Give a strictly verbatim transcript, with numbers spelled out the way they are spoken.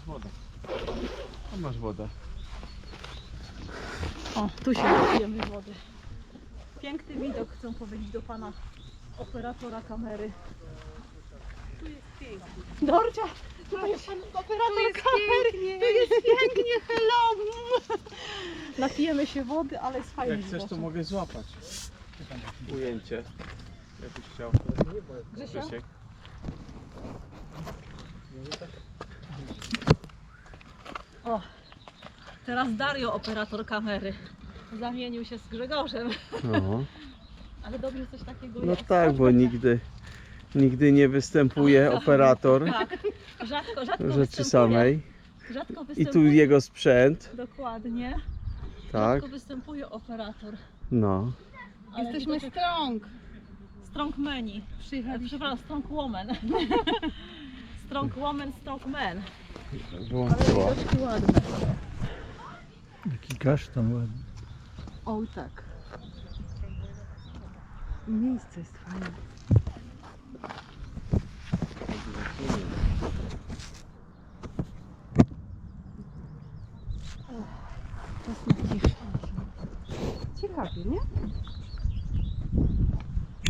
wodę. Tam masz wodę. O, tu się napijemy wody. Piękny widok, chcę powiedzieć do pana operatora kamery. Tu jest pięknie. Dorcia, tu jest pan operator Tu jest kamery. pięknie. Tu jest pięknie, hello. Napijemy się wody, ale jest fajnie. Jak chcesz, to mogę złapać ujęcie. Jakbyś chciał. Grzesio? Grzesiek. O, teraz Dario, operator kamery. Zamienił się z Grzegorzem. No, Ale dobrze coś takiego no jest. tak, bo nigdy, nigdy nie występuje operator Tak, rzadko, rzadko rzeczy występuje. samej. Rzadko I występuje. tu jego sprzęt, Dokładnie. tak, Rzadko występuje operator. no. Ale Jesteśmy widocznie- strong. Strong mani. Przyjechaliśmy. Przepraszam, strong woman. Strong woman, strong man. Ale Włączyło. widoczki ładne. Jaki kasztan ładny. O tak. Miejsce jest fajne. Ciekawie, nie?